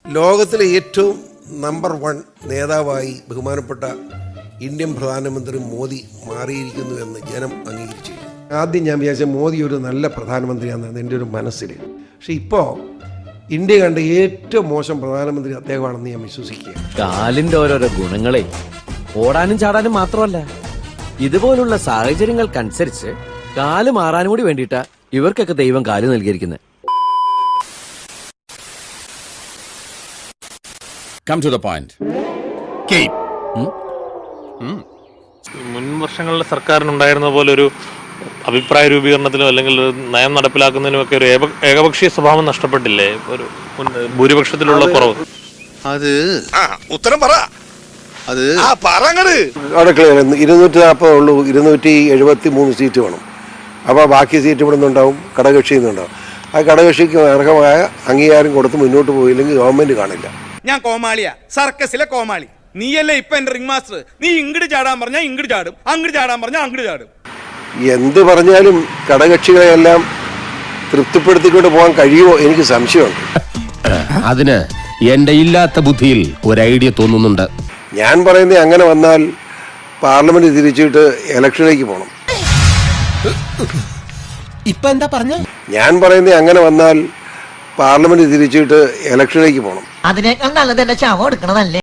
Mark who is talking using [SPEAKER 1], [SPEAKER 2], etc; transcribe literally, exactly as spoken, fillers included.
[SPEAKER 1] ലോകത്തിലെ ഏറ്റവും number one നേതാവായി ബഹുമാനപ്പെട്ട ഇന്ത്യൻ പ്രധാനമന്ത്രി മോദി മാറിയിരിക്കുന്നു എന്ന് ജനം അംഗീകരിച്ചു. ആദ്യം ഞാൻ വിചാരിച്ച മോദി ഒരു നല്ല പ്രധാനമന്ത്രിയാണെന്ന് എൻ്റെ ഒരു മനസ്സിൽ. പക്ഷെ ഇപ്പോൾ ഇന്ത്യ കണ്ട ഏറ്റവും മോശം പ്രധാനമന്ത്രി അദ്ദേഹമാണെന്ന് ഞാൻ വിശ്വസിക്കുക.
[SPEAKER 2] കാലിന്റെ ഓരോരോ ഗുണങ്ങളെ ഓടാനും ചാടാനും മാത്രമല്ല, ഇതുപോലുള്ള സാഹചര്യങ്ങൾക്കനുസരിച്ച് കാല് മാറാനും കൂടി വേണ്ടിയിട്ടാ ഇവർക്കൊക്കെ ദൈവം കാല് നൽകിയിരിക്കുന്നത്.
[SPEAKER 3] Come to the point. Keep.
[SPEAKER 4] മുൻ വർഷങ്ങളിലെ സർക്കാരിനുണ്ടായിരുന്ന പോലെ ഒരു അഭിപ്രായ രൂപീകരണത്തിലോ അല്ലെങ്കിൽ നയം നടപ്പിലാക്കുന്നതിനും ഒക്കെ ഒരു ഏകപക്ഷീയ സ്വഭാവം നഷ്ടപ്പെട്ടില്ലേ? ഒരു ഭൂരിപക്ഷത്തിലുള്ള കുറവ്.
[SPEAKER 5] അത്
[SPEAKER 6] ഉത്തരം പറ.
[SPEAKER 5] അത്
[SPEAKER 1] അവിടെ ഇരുന്നൂറ്റി നാൽപ്പത് ഉള്ളൂ, ഇരുന്നൂറ്റി എഴുപത്തി മൂന്ന് സീറ്റ് വേണം. അപ്പോൾ ബാക്കി സീറ്റ് ഇവിടെ നിന്നുണ്ടാവും, ഘടകകക്ഷിയിൽ നിന്നുണ്ടാവും. ആ ഘടകകക്ഷിക്ക് അർഹമായ അംഗീകാരം കൊടുത്ത് മുന്നോട്ട് പോയില്ലെങ്കിൽ ഗവൺമെന്റ് കാണില്ല.
[SPEAKER 6] ഞാൻ കോമാളിയാ, സർക്കസിലെ കോമാളി. നീയല്ലേ ഇപ്പൊ എന്റെ റിംഗ് മാസ്റ്റർ. നീ ഇങ്ങോട്ട് ചാടാൻ പറഞ്ഞാൽ ഇങ്ങോട്ട് ചാടും, അങ്ങോട്ട് ചാടാൻ പറഞ്ഞാൽ അങ്ങോട്ട് ചാടും.
[SPEAKER 1] എന്ത് പറഞ്ഞാലും ഘടകകക്ഷികളെല്ലാം തൃപ്തിപ്പെടുത്തിക്കൊണ്ട് പോകാൻ കഴിയുമോ എനിക്ക് സംശയമുണ്ട്.
[SPEAKER 3] അതിന് എന്റെ ഇല്ലാത്ത ബുദ്ധിയിൽ ഒരു ഐഡിയ തോന്നുന്നുണ്ട്.
[SPEAKER 1] ഞാൻ പറയുന്നത് അങ്ങനെ വന്നാൽ പാർലമെന്റ് തിരിച്ചിട്ട് ഇലക്ഷനിലേക്ക് പോകണം.
[SPEAKER 3] ഇപ്പൊ എന്താ പറഞ്ഞ?
[SPEAKER 1] ഞാൻ പറയുന്നത് അങ്ങനെ വന്നാൽ പാർലമെന്റ് തിരിച്ചിട്ട് ഇലക്ഷനിലേക്ക് പോകണം.
[SPEAKER 7] അതിനേക്കാൾ നല്ലത് എന്റെ ശവം എടുക്കണതല്ലേ.